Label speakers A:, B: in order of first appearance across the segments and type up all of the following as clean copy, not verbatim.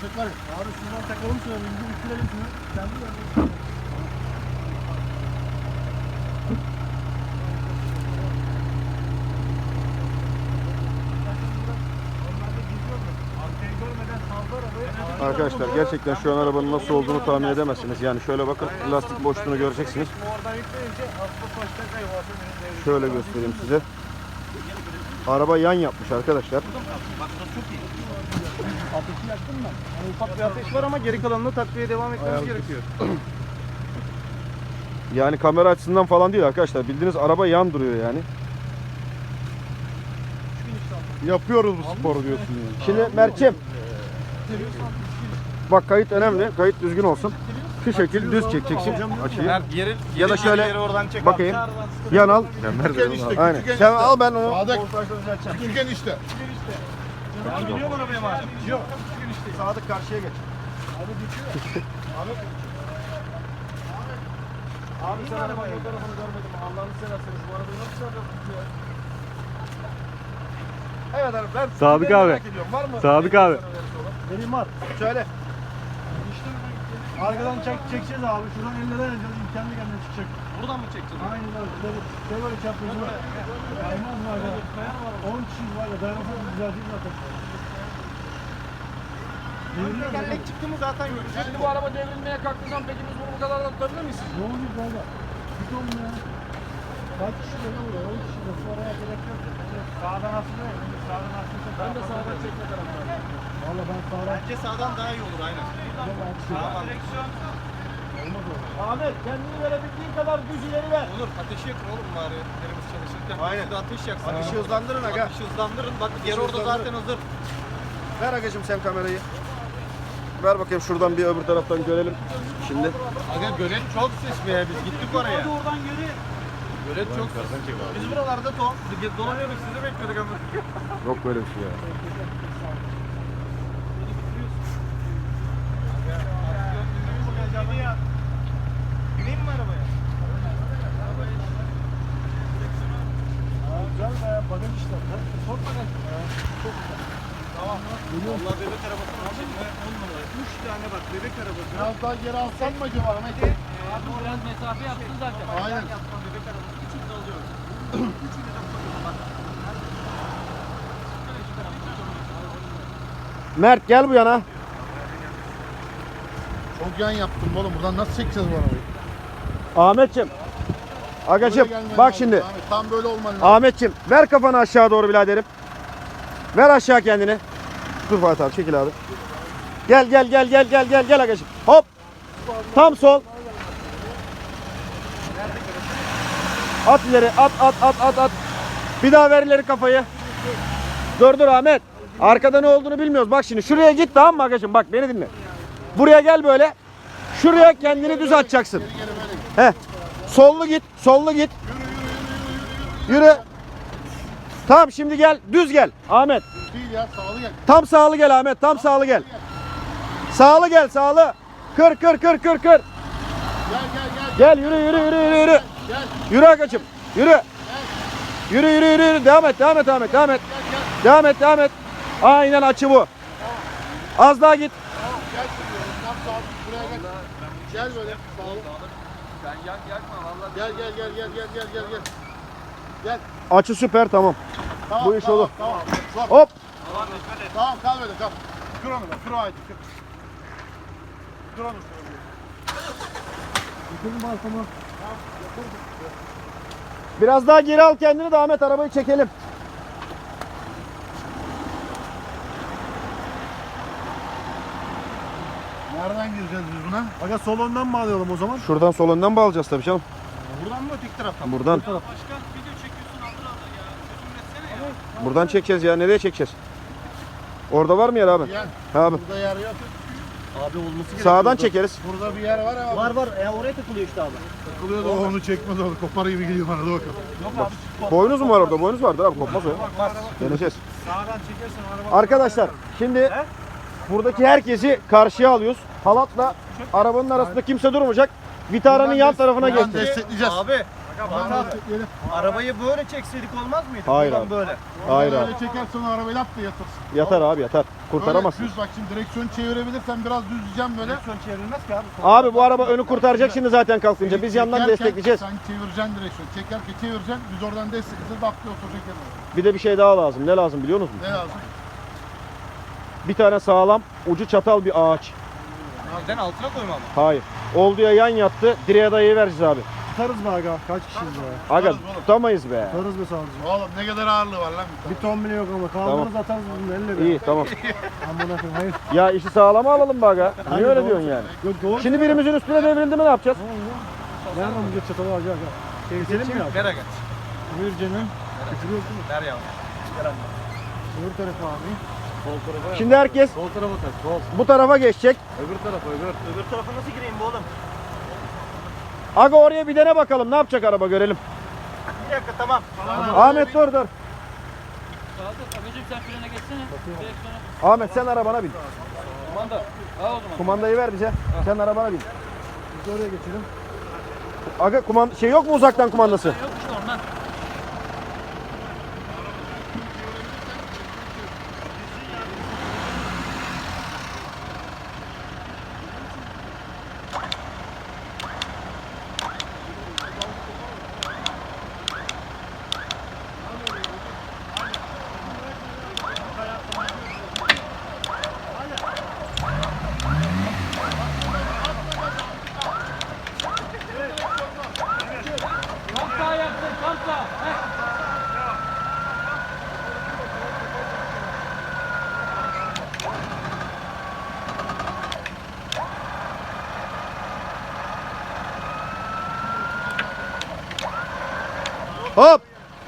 A: köpek var ya. Abi şuradan takalım şuna. Bir bitirelim şunu. Kendi yerine.
B: Arkadaşlar gerçekten şu an arabanın nasıl olduğunu tahmin edemezsiniz. Yani şöyle bakın, lastik boşluğunu göreceksiniz. Şöyle göstereyim size. Araba yan yapmış arkadaşlar.
A: Ateşi yaktın mı?
B: Yani ufak bir ateş var ama geri kalanını takviye devam etmemiz gerekiyor. Yani kamera açısından falan değil arkadaşlar. Bildiğiniz araba yan duruyor yani.
A: Yapıyoruz bu sporu diyorsun yani.
B: Şimdi Mert'ciğim, bak kayıt önemli. Kayıt düzgün olsun. Şu şekil düz çekeceksin açıyı. Ya da şöyle bakayım. Yan al.
A: Küçükken işte.
B: Aynen. Sen al, ben onu.
A: Sadık. Küçükken işte.
C: Ben biliyorum arabaya madem.
A: Yok.
B: Sadık karşıya geç. Abi sen arabanın fotoğrafını görmedim. Allah'ını severseniz bu arabayı nasıl çağırıyorsunuz ya? Evet abi, ben
C: Sadık
B: ben
C: abi.
B: merak ediyorum. Var mı?
C: Sadık abi.
A: Benim var.
B: Söyle.
A: Arkadan çekeceğiz abi. Şuradan ellere alacağız. Kendi kendine çıkacak.
C: Buradan mı çekeceğiz?
A: Aynen öyle. Şey böyle çaprazı var. Aynen var ya. 10 kişi var ya. Dayanırsız düzelteyim zaten.
B: Tekerlek çıktı mı zaten göreceğiz. Şimdi bu araba devrilmeye kalktığı zaman peki biz bunu bu kadar da tutabilir miyiz?
A: Ne oluyor böyle? Hiç olmuyor. Kaç kişi böyle oluyor? 10 kişi de. Oraya gerek yok. Sağdan aslında yok. Sağdan aslında.
B: Ben de sağdan çekme taraftarıyım.
A: Valla ben sağdan.
C: Bence sağdan daha iyi olur aynen.
A: Sağdan.
C: Direksiyon.
A: Olmaz o.
B: Ahmet, kendini verebildiğin kadar düz ileri ver.
C: Olur ateşi yakın oğlum bari. Elimiz çalışırken.
B: Aynen.
C: Siz de ateş yaksın.
B: Ateşi hızlandırın aga.
C: Ateşi hızlandırın. Bak yer orada
B: hızlandırın.
C: zaten hazır.
B: Ver agacım sen kamerayı. Ver bakayım şuradan bir öbür taraftan görelim. Şimdi.
C: Aga gölet çok ses be. Biz gittik oraya. Hadi oradan yürü. Gölet çok ses. Biz buralarda dolanıyorduk. Sizi bekliyorduk ama.
B: Yok böyle bir şey ya.
C: Bineyim mi arabaya?
A: Güzel be. Bagaj işte. Çok bagaj. Çok güzel.
C: Tamam. Vallahi bebek arabasının içinde 10 numara. 3 tane bak bebek arabası.
A: Biraz daha geri alsan mı acaba Ahmet?
C: Abi biraz mesafe yaptın zaten.
A: Aynen.
C: Bebek arabası. Üçünü de alıyoruz. Üçünü de koyuyorum bak.
B: Mert gel bu yana.
A: Çok yan yaptım oğlum. Buradan nasıl çekeceğiz bu arabayı?
B: Ahmetciğim. Agacım
A: Böyle gelmen
B: bak
A: lazım
B: şimdi.
A: Ahmet. Tam böyle olman lazım.
B: Ahmetciğim ver kafanı aşağı doğru biraderim. Ver aşağı kendini. Dur Fatih abi, çekil abi. Gel agacım. Hop. Tam sol. At ileri, at. Bir daha ver ileri kafayı. Dur Ahmet. Arkada ne olduğunu bilmiyoruz. Bak şimdi şuraya git, tamam mı agacım? Bak beni dinle. Buraya gel böyle. Şuraya kendini düz atacaksın. He. Sollu git. Yürü. Tamam, şimdi gel, düz gel Ahmet.
A: Değil ya, sağlı gel.
B: Tam sağlı gel Ahmet, tam sağlı gel. Sağlı gel, sağlı. Kır.
A: Gel.
B: Gel, yürü.
A: Gel.
B: Yürü agacım, yürü. Yürü. Devam et Ahmet. Devam et. Aynen, açı bu. Az daha git.
A: Gel şimdi. Tam sağ. Buraya gel. Gel böyle. Sağlı.
C: Ben yakma vallahi.
A: Gel. Gel.
B: Açı süper, tamam.
A: Tamam,
B: Bu iş olur.
A: Tamam.
B: Hop.
A: Tamam, kal böyle, kal. Kır onu da. Kır o ayeti. Kır onu. Yıkılın balkonu.
B: Biraz daha geri al kendini de Ahmet, arabayı çekelim.
A: Nereden gireceğiz biz buna? Aga sol önden bağlayalım o zaman.
B: Şuradan sol önden bağlayacağız tabii canım.
C: Buradan mı öteki taraftan mı?
B: Buradan.
C: Başkan video çekiyorsun aldır ya. Çözüm etsene ya.
B: Buradan çekeceğiz ya. Nereye çekeceğiz? Orada var mı yer abi?
A: Yer.
B: Abi.
A: Burada yer yok.
C: Abi olması gerekiyor.
B: Sağdan çekeriz.
A: Burada bir yer var ama.
C: Var. Oraya takılıyor işte abi.
A: Takılıyor da onu çekmez abi. Kopar gibi geliyor bana da bakalım.
C: Yok abi.
B: Boynuz mu var orada? Boynuz vardır abi, kopmaz o ya. Deneyeceğiz.
C: Sağdan çekersen araba.
B: Arkadaşlar şimdi buradaki herkesi karşıya alıyoruz. Halatla arabanın arasında kimse durmayacak. Vitaranın yan tarafına
A: Buradan
B: geçti.
A: destekleyeceğiz.
C: Abi Fatih abi, arabayı böyle çekseydik olmaz mıydı?
B: Hayır
C: Buradan
B: abi.
C: böyle.
B: Hayır abi.
A: Böyle çekersen arabayı lap da yatırsın.
B: Yatar abi yatar. Kurtaramazsın.
A: Böyle düz bak şimdi direksiyonu çevirebilirsen biraz düz diyeceğim böyle.
C: Direksiyon çevrilmez ki abi.
B: Abi bu araba önü kurtaracak şimdi zaten kalkınca. Biz yandan
A: Çekerken
B: destekleyeceğiz.
A: Sen çevireceksin direksiyonu. Çekerken çevireceksin. Biz oradan destekleyeceğiz. Lap diye oturacak yanına.
B: Bir de bir şey daha lazım. Ne lazım biliyor musunuz?
A: Ne lazım?
B: Bir tane sağlam ucu çatal bir ağaç.
C: Neden altına koymam?
B: Hayır. Olduğuya yan yattı. Direğe dayayı vereceğiz abi.
D: Tutarız mı aga? Kaç kişiyiz be?
B: Aga
A: Tutarız oğlum.
B: tutamayız be.
D: Tutarız be savcı.
A: Oğlum ne kadar ağırlığı var lan.
D: Bir ton bile yok ama kaldırırız atarız bunu elle be.
B: İyi tamam.
D: Amına koyayım hayır.
B: Ya işi sağlama alalım be aga. Niye
D: Hayır,
B: öyle
D: doğru.
B: diyorsun yani?
D: Yok doğru.
B: Şimdi birimizin üstüne devrildi mi ne yapacağız?
D: Nereden bu göt çatalı aga aga? Keselim mi abi?
C: Nereye geç?
D: Buyur canım. Küfür yok mu?
C: Nereye abi?
D: Öbür tarafa abi.
B: Şimdi herkes
D: Sol tarafa tak. Sol.
B: bu tarafa geçecek.
D: Öbür tarafa öbür.
C: Öbür tarafa nasıl gireyim bu oğlum?
B: Aga oraya bir dene bakalım. Ne yapacak araba görelim.
C: Bir dakika tamam.
B: Ahmet dur dur.
E: Sadık, abicim sen frene geçsene. Direksiyona.
B: Ahmet sen arabana bin.
E: Kumanda. Al o zaman.
B: Kumandayı ver bize. Sen arabana bin.
D: Biz oraya geçelim.
B: Aga şey yok mu uzaktan kumandası?
E: Yok işte ondan. Tam sağ yaptın, tam sağ.
B: Hop.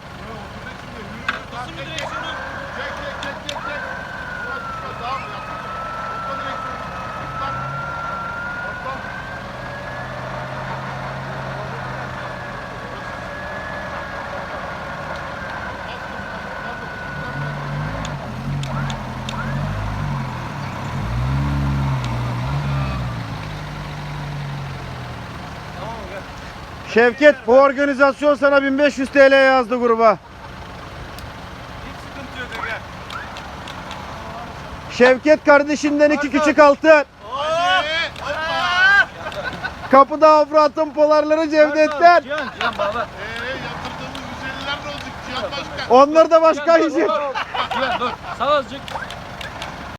B: Şevket bu organizasyon sana 1500 TL yazdı gruba.
C: Hiç sıkıntı yok gel.
B: Şevket kardeşinden 2 küçük altın.
A: Hadi. Hoppa.
B: Kapıda Afrat'ın polarları Cevdet'ten.
C: Cihan baba.
A: Yatırdığımız 150'ler ne olacak Cihan Başkan?
B: Onlar da başka yiyecek.
E: Cihan dur. Sağ azıcık.